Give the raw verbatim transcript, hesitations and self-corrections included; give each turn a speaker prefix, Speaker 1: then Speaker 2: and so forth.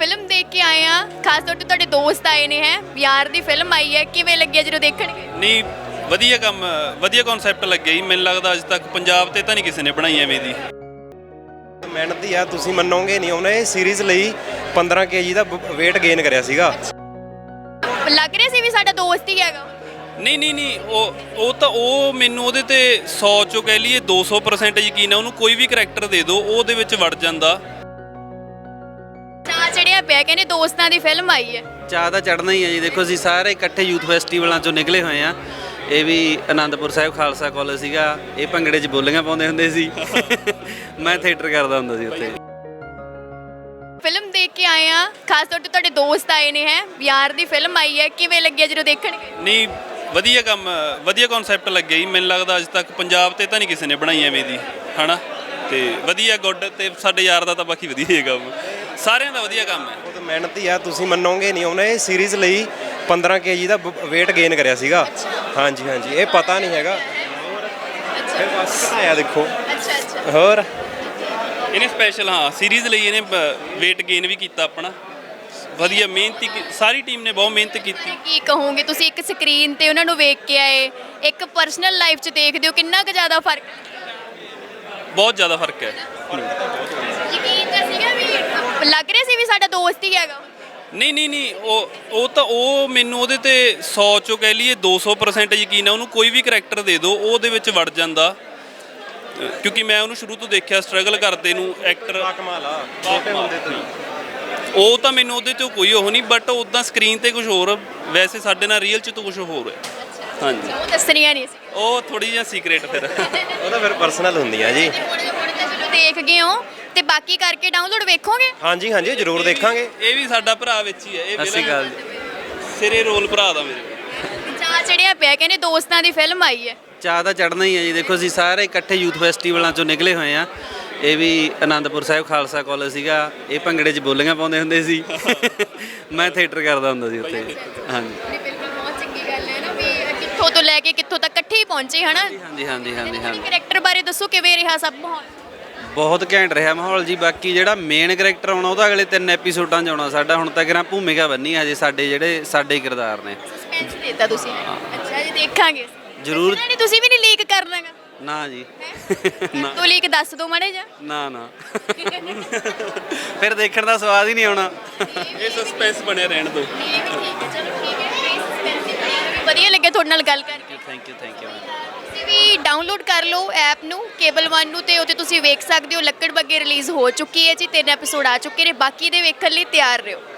Speaker 1: Film ਦੇਖ ਕੇ ਆਏ ਆ, ਖਾਸ ਤੌਰ ਤੇ ਤੁਹਾਡੇ ਦੋਸਤ ਆਏ ਨੇ ਹੈ, ਯਾਰ ਦੀ ਫਿਲਮ ਆਈ ਹੈ, ਕਿਵੇਂ ਲੱਗਿਆ ਜਦੋਂ ਦੇਖਣਗੇ?
Speaker 2: ਨਹੀਂ ਵਧੀਆ ਕੰਮ ਵਧੀਆ ਕਨਸੈਪਟ ਲੱਗਿਆ ਜੀ। ਮੈਨੂੰ ਲੱਗਦਾ ਅੱਜ ਤੱਕ ਪੰਜਾਬ ਤੇ ਤਾਂ ਨਹੀਂ ਕਿਸੇ ਨੇ ਬਣਾਈ ਐਵੇਂ ਦੀ।
Speaker 3: ਮਿਹਨਤੀ ਆ, ਤੁਸੀਂ ਮੰਨੋਗੇ ਨਹੀਂ, ਉਹਨੇ ਇਹ ਸੀਰੀਜ਼ ਲਈ ਪੰਦਰਾਂ ਕੇਜੀ ਦਾ weight ਗੇਨ ਕਰਿਆ ਸੀਗਾ।
Speaker 1: ਲੱਗ ਰਿਹਾ ਸੀ ਵੀ ਸਾਡਾ ਦੋਸਤ ਹੀ ਹੈਗਾ।
Speaker 2: ਨਹੀਂ ਨਹੀਂ ਨਹੀਂ ਉਹ ਉਹ ਤਾਂ ਉਹ ਮੈਨੂੰ ਉਹਦੇ ਤੇ ਸੌ ਚੋਂ ਕਹਿ ਲਈਏ ਦੋ ਸੌ ਪਰਸੈਂਟ ਯਕੀਨ ਹੈ। ਉਹਨੂੰ ਕੋਈ ਵੀ ਕਰੈਕਟਰ ਦੇ ਦਿਓ ਉਹ ਉਹਦੇ ਵਿੱਚ ਵੜ ਜਾਂਦਾ।
Speaker 1: ਚਾਅ ਚੜਿਆ ਪਿਆ, ਕਹਿੰਦੇ ਦੋਸਤਾਂ ਦੀ ਫਿਲਮ ਆਈ ਹੈ।
Speaker 4: ਚਾਹ ਤਾਂ ਚੜ੍ਹਨਾ ਹੀ ਹੈ ਜੀ। ਦੇਖੋ ਅਸੀਂ ਸਾਰੇ ਇਕੱਠੇ ਯੂਥ ਫੈਸਟੀਵਲਾਂ ਚੋਂ ਨਿਕਲੇ ਹੋਏ ਆ। ਇਹ ਵੀ ਆਨੰਦਪੁਰ ਸਾਹਿਬ ਖਾਲਸਾ ਕਾਲਜ ਸੀਗਾ। ਇਹ ਭੰਗੜੇ 'ਚ ਬੋਲੀਆਂ ਪਾਉਂਦੇ ਹੁੰਦੇ ਸੀ। ਮੈਂ ਥੀਏਟਰ ਕਰਦਾ ਹੁੰਦਾ ਸੀ ਉੱਥੇ।
Speaker 1: ਫਿਲਮ ਦੇਖ ਕੇ ਆਏ ਆ, ਖਾਸ ਤੌਰ ਤੇ ਤੁਹਾਡੇ ਦੋਸਤ ਆਏ ਨੇ ਹੈ, ਯਾਰ ਦੀ ਫਿਲਮ ਆਈ ਹੈ, ਕਿਵੇਂ ਲੱਗਿਆ ਜਦੋਂ ਦੇਖਣਗੇ?
Speaker 2: ਨਹੀਂ ਵਧੀਆ ਕੰਮ ਵਧੀਆ ਕਨਸੈਪਟ ਲੱਗਿਆ ਜੀ। ਮੈਨੂੰ ਲੱਗਦਾ ਅੱਜ ਤੱਕ ਪੰਜਾਬ ਤੇ ਤਾਂ ਨਹੀਂ ਕਿਸੇ ਨੇ ਬਣਾਈ ਐਵੇਂ ਦੀ, ਹਨਾ। ਤੇ ਵਧੀਆ ਗੁੱਡ ਤੇ ਸਾਡੇ ਯਾਰ ਦਾ ਤਾਂ ਬਾਕੀ ਵਧੀਆ ਹੀ ਕੰਮ, ਸਾਰਿਆਂ ਦਾ ਵਧੀਆ ਕੰਮ ਹੈ।
Speaker 3: ਉਹ ਤਾਂ ਮਿਹਨਤੀ ਆ, ਤੁਸੀਂ ਮੰਨੋਗੇ ਨਹੀਂ, ਉਹਨੇ ਇਹ ਸੀਰੀਜ਼ ਲਈ ਪੰਦਰਾਂ ਕੇਜੀ ਦਾ weight ਗੇਨ ਕਰਿਆ ਸੀਗਾ। ਹਾਂਜੀ ਹਾਂਜੀ, ਇਹ ਪਤਾ ਨਹੀਂ ਹੈਗਾ। ਫਿਰ ਬਸ ਘਟਾਇਆ ਦੇਖੋ।
Speaker 1: ਅੱਛਾ ਅੱਛਾ।
Speaker 3: ਹੋਰ
Speaker 2: ਇਹਨੇ ਸਪੈਸ਼ਲ ਹਾਂ ਸੀਰੀਜ਼ ਲਈ ਇਹਨੇ weight ਗੇਨ ਵੀ ਕੀਤਾ ਆਪਣਾ। ਵਧੀਆ ਮਿਹਨਤੀ ਸਾਰੀ ਟੀਮ ਨੇ ਬਹੁਤ ਮਿਹਨਤ ਕੀਤੀ।
Speaker 1: ਕੀ ਕਹੋਗੇ ਤੁਸੀਂ, ਇੱਕ ਸਕਰੀਨ ਤੇ ਉਹਨਾਂ ਨੂੰ ਵੇਖ ਕੇ ਆਏ, ਇੱਕ ਪਰਸਨਲ ਲਾਈਫ 'ਚ ਦੇਖਦੇ ਹੋ, ਕਿੰਨਾ ਕੁ ਜ਼ਿਆਦਾ ਫਰਕ?
Speaker 2: ਬਹੁਤ ਜ਼ਿਆਦਾ ਫਰਕ ਹੈ।
Speaker 1: ਯਕੀਨ ਤਾਂ ਸੀਗਾ ਵੀ ਲੱਗ ਰਿਹਾ ਸੀ ਵੀ ਸਾਡਾ ਦੋਸਤ ਹੀ ਹੈਗਾ।
Speaker 2: ਨਹੀਂ ਨਹੀਂ ਨਹੀਂ ਉਹ ਉਹ ਤਾਂ ਉਹ ਮੈਨੂੰ ਉਹਦੇ ਤੇ ਸੌ ਚੋਂ ਕਹਿ ਲਈਏ ਦੋ ਸੌ ਪਰਸੈਂਟ ਯਕੀਨ ਹੈ। ਉਹਨੂੰ ਕੋਈ ਵੀ ਕਰੈਕਟਰ ਦੇ ਦਿਓ ਉਹ ਉਹਦੇ ਵਿੱਚ ਵੜ ਜਾਂਦਾ। ਕਿਉਂਕਿ ਮੈਂ ਉਹਨੂੰ ਸ਼ੁਰੂ ਤੋਂ ਦੇਖਿਆ ਸਟਰਗਲ ਕਰਦੇ ਨੂੰ। ਐਕਟਰ
Speaker 3: ਕਮਾਲ ਆ, ਛੋਟੇ ਹੁੰਦੇ ਤੋਂ ਹੀ।
Speaker 2: ਉਹ ਤਾਂ ਮੈਨੂੰ ਉਹਦੇ 'ਚੋਂ ਕੋਈ ਉਹ ਨਹੀਂ, ਬਟ ਉੱਦਾਂ ਸਕਰੀਨ ਤੇ ਕੁਝ ਹੋਰ, ਵੈਸੇ ਸਾਡੇ ਨਾਲ ਰੀਅਲ 'ਚ ਤਾਂ ਕੁਝ ਹੋਰ ਹੈ। ਹਾਂਜੀ
Speaker 1: ਉਹ ਦੱਸਣੀਆਂ ਨਹੀਂ ਸੀ।
Speaker 2: ਉਹ ਥੋੜੀ ਜਿਹੀ ਸੀਕ੍ਰੇਟ ਫਿਰ।
Speaker 3: ਉਹ ਤਾਂ ਫਿਰ ਪਰਸਨਲ ਹੁੰਦੀਆਂ ਜੀ।
Speaker 1: ਹੁਣ ਹੁਣ ਤਾਂ ਚਲੋ ਦੇਖ ਗਏ ਹੋ, ਤੇ ਬਾਕੀ ਕਰਕੇ ਡਾਊਨਲੋਡ ਵੇਖੋਗੇ?
Speaker 3: ਹਾਂਜੀ ਹਾਂਜੀ, ਜ਼ਰੂਰ ਦੇਖਾਂਗੇ।
Speaker 2: ਇਹ ਵੀ ਸਾਡਾ ਭਰਾ ਵਿੱਚ ਹੀ ਹੈ। ਇਹ
Speaker 4: ਸਤਿ ਸ਼੍ਰੀ ਅਕਾਲ।
Speaker 2: ਸਿਰੇ ਰੋਲ ਭਰਾ ਦਾ ਮੇਰੇ।
Speaker 1: ਚਾਅ ਚੜਿਆ ਪਿਆ, ਕਹਿੰਦੇ ਦੋਸਤਾਂ ਦੀ ਫਿਲਮ ਆਈ ਹੈ।
Speaker 4: ਚਾਹ ਤਾਂ ਚੜ੍ਹਨਾ ਹੀ ਹੈ ਜੀ। ਦੇਖੋ ਅਸੀਂ ਸਾਰੇ ਇਕੱਠੇ ਯੂਥ ਫੈਸਟੀਵਲਾਂ ਚੋਂ ਨਿਕਲੇ ਹੋਏ ਆ। ਇਹ ਵੀ ਆਨੰਦਪੁਰ ਸਾਹਿਬ ਖਾਲਸਾ ਕਾਲਜ ਸੀਗਾ। ਇਹ ਭੰਗੜੇ 'ਚ ਬੋਲੀਆਂ ਪਾਉਂਦੇ ਹੁੰਦੇ ਸੀ। ਮੈਂ ਥੀਏਟਰ ਕਰਦਾ ਹੁੰਦਾ ਸੀ ਉੱਥੇ। ਹਾਂਜੀ
Speaker 1: ਨਹੀਂ ਬਿਲਕੁਲ, ਬਹੁਤ ਚੰਗੀ ਗੱਲ ਹੈ ਨਾ ਵੀ ਕਿੱਥੋਂ ਤੋਂ ਲੈ ਕੇ ਕਿੱਥੋਂ ਤੱਕ ਇਕੱਠੇ ਹੀ ਪਹੁੰਚੇ, ਹਨਾ।
Speaker 4: ਹਾਂਜੀ ਹਾਂਜੀ ਹਾਂਜੀ ਹਾਂਜੀ।
Speaker 1: ਕੈਰੈਕਟਰ ਬਾਰੇ ਦੱਸੋ, ਕਿਵੇਂ ਰਿਹਾ ਸਭ ਮਾਹੌਲ?
Speaker 4: ਬਹੁਤ ਘੈਂਟ ਰਿਹਾ ਮਾਹੌਲ ਜੀ। ਬਾਕੀ ਜਿਹੜਾ ਮੇਨ ਕਰੈਕਟਰ ਆਉਣਾ ਉਹਦਾ ਅਗਲੇ ਤਿੰਨ ਐਪੀਸੋਡਾਂ 'ਚ ਆਉਣਾ। ਸਾਡਾ ਹੁਣ ਤੱਕ ਨਾ ਭੂਮਿਕਾ ਬੰਨੀ ਹਜੇ ਸਾਡੇ ਜਿਹੜੇ ਸਾਡੇ ਕਿਰਦਾਰ ਨੇ।
Speaker 1: ਸਸਪੈਂਸ ਦਿੱਤਾ ਤੁਸੀਂ। ਅੱਛਾ ਜੀ, ਦੇਖਾਂਗੇ
Speaker 4: ਜ਼ਰੂਰ।
Speaker 1: ਨਹੀਂ ਤੁਸੀਂ ਵੀ ਨਹੀਂ ਲੀਕ ਕਰਨਾਗਾ?
Speaker 4: ਨਾ ਜੀ ਨਾ
Speaker 1: ਤੂੰ ਲੀਕ ਦੱਸ ਦੋ ਮਾੜੇ ਜਾ।
Speaker 4: ਨਾ ਨਾ ਫਿਰ ਦੇਖਣ ਦਾ ਸਵਾਦ ਹੀ ਨਹੀਂ ਆਉਣਾ।
Speaker 2: ਇਹ ਸਸਪੈਂਸ ਬਣਿਆ ਰਹਿਣ ਦੋ।
Speaker 1: ਇਹ ਵੀ ਠੀਕ ਹੈ, ਚਲੋ ਠੀਕ ਹੈ। ਸਸਪੈਂਸ ਹੀ ਬਣਿਆ, ਵਧੀਆ ਲੱਗਿਆ ਤੁਹਾਡੇ ਨਾਲ ਗੱਲ ਕਰਕੇ।
Speaker 4: Thank you thank you.
Speaker 1: ਤੁਸੀਂ ਵੀ ਡਾਊਨਲੋਡ ਕਰ ਲਓ ਐਪ ਨੂੰ, ਕੇਬਲ ਵਨ ਨੂੰ, ਤੇ ਉੱਥੇ ਤੁਸੀਂ ਵੇਖ ਸਕਦੇ ਹੋ। ਲੱਕੜ ਬੱਗੇ ਰਿਲੀਜ਼ ਹੋ ਚੁੱਕੀ ਹੈ ਜੀ, ਤਿੰਨ ਐਪੀਸੋਡ ਆ ਚੁੱਕੇ ਨੇ, ਬਾਕੀ ਦੇ ਵੇਖਣ ਲਈ ਤਿਆਰ ਰਹੋ।